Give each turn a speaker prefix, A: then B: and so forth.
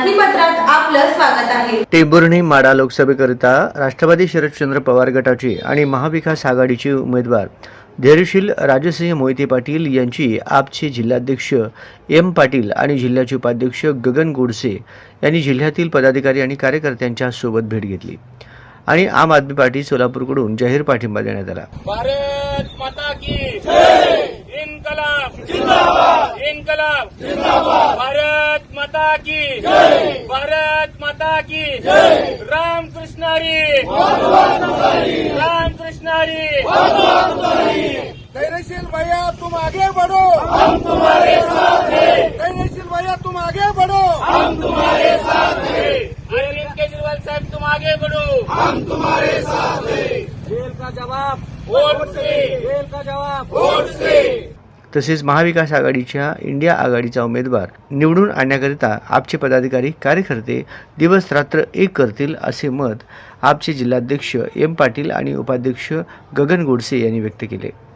A: बातमीपत्रात आपलं स्वागत आहे।
B: टेंभुर्णी माढा लोकसभेकरिता राष्ट्रवादी शरदचंद्र पवार गटाचे आणि महाविकास आघाडीचे उमेदवार धैर्यशील राजसिंह मोहिते पाटील यांची आपचे जिल्हाध्यक्ष एम पाटील आणि जिल्ह्याचे उपाध्यक्ष गगन गोडसे यांनी जिल्ह्यातील पदाधिकारी आणि कार्यकर्त्यांच्या सोबत भेट घेतली आणि आम आदमी पार्टी सोलापूरकडून जाहीर पाठिंबा देण्यात आला।
C: भारत माता की जय, इनकलाब जिंदाबाद, इनकलाब जिंदाबाद, भारत माता की जय, भारत माता की जय, राम कृष्णारी, राम कृष्णारी, धैर्यशील भैया तुम आगे बढ़ो, हम तुम्हारे साथ हैं। धैर्यशील भैया तुम आगे बढ़ो, हम तुम्हारे साथ हैं। अरविंद केजरीवाल साहब तुम आगे बढ़ो, हम तुम्हारे साथ हैं। जेल का जवाब वोट से, जेल का जवाब वोट से।
B: तसेच महाविकास आघाडीच्या इंडिया आघाडीचा उमेदवार निवडून आणण्याकरिता आपचे पदाधिकारी कार्यकर्ते दिवस रात्र एक करतील असे मत आपचे जिल्हाध्यक्ष एम पाटील आणि उपाध्यक्ष गगन गोडसे यांनी व्यक्त केले।